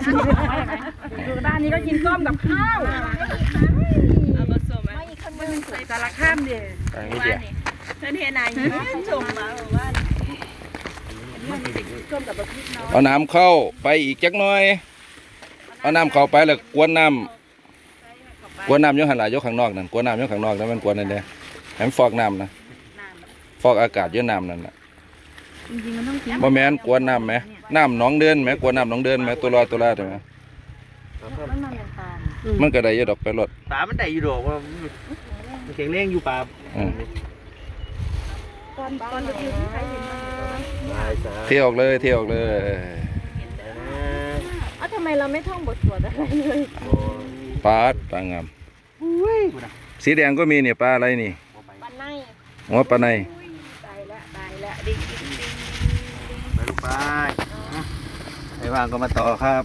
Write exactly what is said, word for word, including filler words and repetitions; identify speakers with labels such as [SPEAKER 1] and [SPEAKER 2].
[SPEAKER 1] ดูด้านนี้ก็กินส้มกับข้าวเอาผสมไหมมันใส่สารข้ามเดียว
[SPEAKER 2] อันนี้เดียว
[SPEAKER 1] เพื่อนเฮนายชมมาบอกว่าส้มกับบะพริกน้อย
[SPEAKER 2] เอาน้ำเข้าไปอีกจักหน่อยเอาน้ำเข้าไปแล้วกวนน้ำกวนน้ำยกหันหลายยกข้างนอกนั่นกวนน้ำยกข้างนอกแล้วมันกวนนั่นเด้ให้มันฟอกน้ำนะฟอกอากาศเยอะน้ำนั่นน่ะ
[SPEAKER 1] จริงๆมันต้องกิน
[SPEAKER 2] บ่แม่นกวนน้ำไหมน้ำหนองเดินไหมกวนน้ำหนองเดินไหมตัวรอตัวลาตัวไหม
[SPEAKER 1] มันมันเป็นตาล
[SPEAKER 2] มันก็ได้เยอะดอกไปรถ
[SPEAKER 3] ปลามันได้อยู่ดอกว่ามันแข็งแรงอยู่ปลา
[SPEAKER 2] อืม
[SPEAKER 1] ตอนตอนเราอยู่ที่ใครเห็นมัน
[SPEAKER 2] เที่ยวออกเลยเที่ยวออกเลย
[SPEAKER 1] อ๋อทำไมเราไม่ท่องบทสวดอะไรเลย
[SPEAKER 2] ปลาดปลางามสีแดงก็มีเนี่ยปลาอะไรนี่
[SPEAKER 1] ปันใน
[SPEAKER 2] หัวปลาใน
[SPEAKER 1] ตายละตายละดิ้งดิ้งดิ้ง
[SPEAKER 3] ไปลูกไปไอ้ว่างก็มาต่อครับ